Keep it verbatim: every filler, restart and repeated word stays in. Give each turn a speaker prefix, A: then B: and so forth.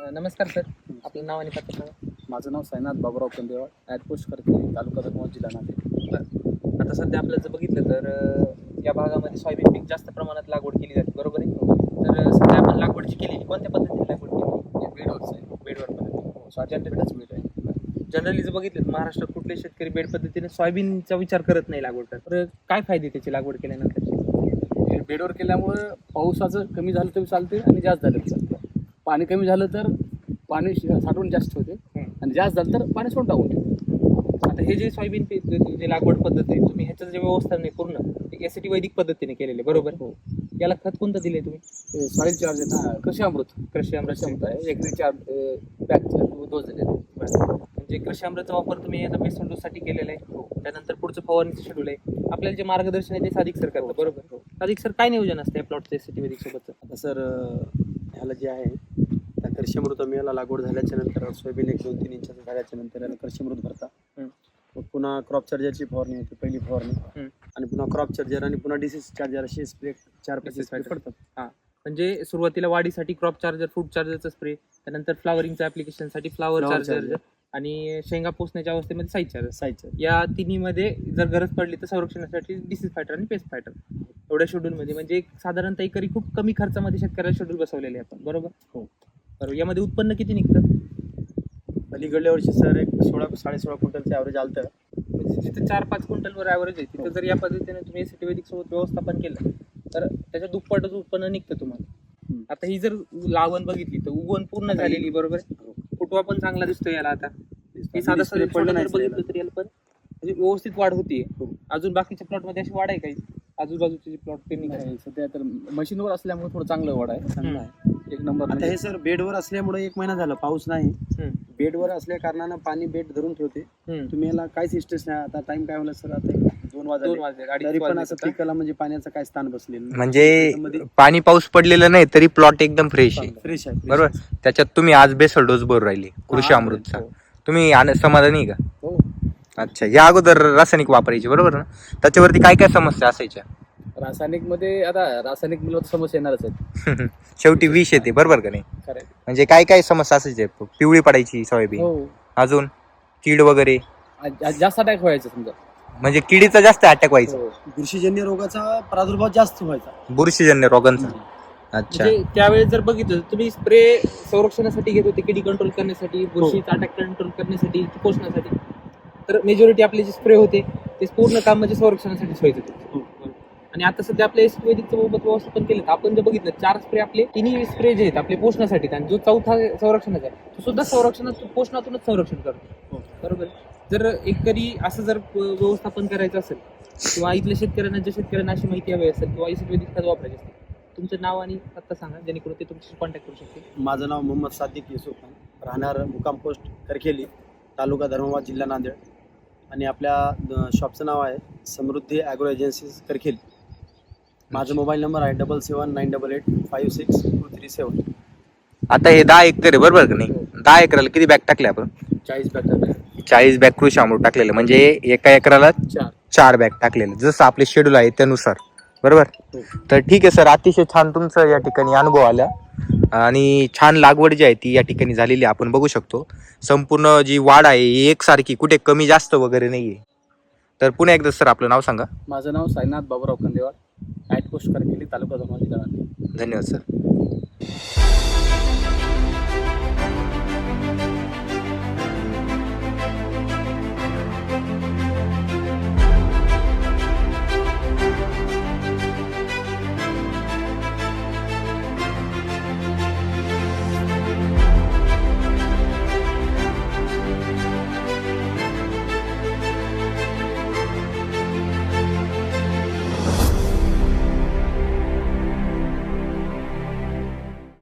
A: नमस्कार सर, आपलं नाव आणि पत्ता सांगा.
B: माझं नाव साईनाथ बाबूराव कंदेवाळ, ॲट पोस्ट करते, तालुका धर्माबाद, जिल्हा नांदेड.
A: आता सध्या आपलं जर बघितलं तर अं, या भागामध्ये सोयाबीन पीक जास्त प्रमाणात लागवड केली जाते, बरोबर आहे. तर सध्या आपण लागवड जी केली कोणत्या पद्धतीने लागवड केली?
B: बेडवरच आहे.
A: बेडवर पद्धती.
B: हो, जनरेटच बेड आहे.
A: जनरली जर बघितलं तर महाराष्ट्रात कुठले शेतकरी बेड पद्धतीने सोयाबीनचा विचार करत नाही लागवड करत. तर काय फायदे त्याची लागवड केल्यानंतर?
B: हे बेडवर केल्यामुळं पावसाचं कमी झालं तरी चालते आणि जास्त झालं तरी चालतं. पाणी कमी झालं तर पाणी श- साठवून जास्त होते आणि जास्त झालं तर पाणी सोडून टाकून ठेवते.
A: आता हे जे सोयाबीन पीक जे लागवड पद्धत आहे, तुम्ही ह्याचं जे व्यवस्था नाही पूर्ण एसीटी वैदिक पद्धतीने केलेले, बरोबर.
B: हो.
A: याला खत कोणतं दिले तुम्ही?
B: सॉईल चार्ज आहे ना, कृषी अमृत
A: कृषी अमृत
B: क्षमता आहे, एकरी चार बॅगचे डोस दिले.
A: म्हणजे कृषी अमृतचा वापर तुम्ही आता बेसन डोस साठी केलेला आहे. त्यानंतर पुढचं फवारणीचं शेड्यूल आहे. आपल्याला जे मार्गदर्शन आहे ते साधिक सर करतात, बरोबर. साधिक सर काय नियोजन असतं या प्लॉटचं एसीटी वैदिक सोबतचं?
C: आता सर ह्याला जे आहे त्या कृषीमृत याला लागवड झाल्याच्या नंतर सोयाबीन एक दोन तीन इंचाचं झाल्याच्या नंतर याला कृषीमृत भरता. मग पुन्हा क्रॉप चार्जरची फवारणी होती, पहिली फवारणी, आणि पुन्हा क्रॉप चार्जर आणि पुन्हा डिसीज चार्जर असे स्प्रे चार पैसे स्प्रे पडतात.
A: हां, म्हणजे सुरुवातीला वाढीसाठी क्रॉप चार्जर, फ्रूट चार्जरचा स्प्रे, त्यानंतर फ्लावरिंगच्या ऍप्लिकेशनसाठी फ्लावर
C: Flower
A: चार्जर
C: charger.
A: आणि शेंगा पोचण्याच्या अवस्थेमध्ये साईज चार्जर.
C: साईजचं
A: या तिन्हीमध्ये जर गरज पडली तर संरक्षणासाठी डिसीज फायटर आणि पेस्ट फायटर एवढ्या शेड्यूलमध्ये, म्हणजे एक साधारणतः एकरी खूप कमी खर्चामध्ये शेतकऱ्याला शेड्यूल बसवलेले आहे आपण, बरोबर.
C: हो.
A: बरोबर. यामध्ये उत्पन्न किती निघतं?
C: अलीकडल्या वर्षी सर एक सोळा साडे सोळा क्विंटलचं ॲव्हरेज आलं तर
A: म्हणजे जिथे चार पाच क्विंटलवर ॲव्हरेज आहे तिथे जर या पद्धतीने तुम्ही एसीटी वैदिक सोबत व्यवस्थापन केलं तर त्याच्या दुप्पटच उत्पन्न निघतं तुम्हाला. आता ही जर लागवण बघितली तर उगवण पूर्ण झालेली, बरोबर आहे. फुटवा पण चांगला दिसतो याला. आता हे साधा साधा
C: पडलं नाही
A: बघितलं तरी याला पण म्हणजे व्यवस्थित वाढ होतीये.
C: हो.
A: अजून बाकीच्या प्लॉट मध्ये अशी वाढ आहे काही आजूबाजूचे जे प्लॉट त्यांनी काय?
B: नाही, सध्या तर मशीनवर असल्यामुळे थोडं चांगलं वाढ आहे,
C: चांगलं आहे.
B: एक नंबर.
C: आता हे सर बेडवर असल्यामुळे एक महिना झाला पाऊस नाही.
A: हम्म.
C: बेडवर असल्या कारणानं पाणी बेड धरून ठेवते.
A: हम्म.
C: तुम्ही याला काहीच इस्टेस नाही. आता टाइम काय होला सर, आता एक दोन
A: दोन
C: वाजले
A: वाजले, अडीच
C: तरी पण
A: वाजले
C: असं
A: आता.
C: पिकाला म्हणजे पाण्याचं काय स्थान बसलेलं नाही.
D: म्हणजे
C: त्याच्यामध्ये
D: पाणी पाऊस पडलेलं नाही तरी प्लॉट एकदम फ्रेश आहे,
C: फ्रेश आहे.
D: बरोबर. त्याच्यात तुम्ही आज बेसल डोस भरून राहिली कृषी
C: हा,
D: अमृतचा.
C: हो.
D: तुम्ही आन- समाधानी आहे का?
C: हो.
D: अच्छा, या अगोदर रासायनिक वापरायची, बरोबर ना? त्याच्यावरती काय काय समस्या असायच्या?
B: रासायनिक मध्ये आता रासायनिक मिळवत समस्या येणारच आहेत.
D: शेवटी विष येते, बरोबर का नाही?
B: खरं.
D: म्हणजे काय काय समस्या असायच्या? पिवळी पडायची सोयाबीन,
B: हो,
D: अजून कीड वगैरे,
B: आ- जास्त अटॅक व्हायचं समजा.
D: म्हणजे किडीचा जास्त अटॅक व्हायचा,
B: हो.
C: बुरशीजन्य रोगाचा प्रादुर्भाव जास्त व्हायचा.
D: बुरशीजन्य रोगांचा. अच्छा,
A: म्हणजे त्यावेळेस जर बघितलं तर तुम्ही स्प्रे संरक्षणासाठी घेत होते, किडी कंट्रोल करण्यासाठी, बुरशीचा अटॅक कंट्रोल करण्यासाठी, पोषणासाठी. तर मेजॉरिटी आपले जे स्प्रे होते ते पूर्ण काम म्हणजे संरक्षणासाठीच व्हायचे होते. आणि आता सध्या आपल्या एसीटी वैदिकचं सोबत व्यवस्थापन केलं तर आपण जर बघितलं चार स्प्रे आपले तिन्ही स्प्रे जे आहेत आपले पोषणासाठी, आणि जो चौथा संरक्षणाचा आहे तो सुद्धा संरक्षणात पोषणातूनच संरक्षण करतो, बरोबर. जर एकरी असं जर व्यवस्थापन करायचं असेल किंवा इथल्या शेतकऱ्यांना ज्या शेतकऱ्यांना अशी माहिती हवी असेल किंवा एसीटी वैदिक खत वापरायचे असेल, तुमचं नाव आणि पत्ता सांगा जेणेकरून ते तुमच्याशी कॉन्टॅक्ट करू शकते.
C: माझं नाव मोहम्मद सादिक युसुफ खान, राहणार मुकाम पोस्ट करखेली, तालुका धर्माबाद, जिल्हा नांदेड. आणि आपल्या शॉपचं नाव आहे समृद्धी ॲग्रो एजन्सीज करखेली. माझा मोबाईल नंबर आहे double seven nine double eight five six two three seven.
D: आता हे दहा एकर आहे, बरोबर का नाही? दहा एकराला किती बॅग टाकले आपण?
B: चाळीस बॅटर
D: चाळीस बॅग कृषी अमृत टाकलेलं, म्हणजे एका एकराला
B: चार.
D: चार बॅग टाकलेलं, जसं आपले शेड्यूल आहे त्यानुसार, बरोबर.
B: हो.
D: तर ठीक आहे सर, अतिशय छान तुमचं या ठिकाणी अनुभव आला आणि छान लागवड जी आहे ती या ठिकाणी झालेली आपण बघू शकतो. संपूर्ण जी वाढ आहे ही एकसारखी, कुठे कमी जास्त वगैरे नाहीये. तर पुन्हा एकदा सर आपलं नाव सांगा.
B: माझं नाव साईनाथ बाबूराव कंदेवाळ, ॲट पोस्ट करखेली, तालुका धर्माबाद, जिल्हा नांदेड.
D: धन्यवाद सर.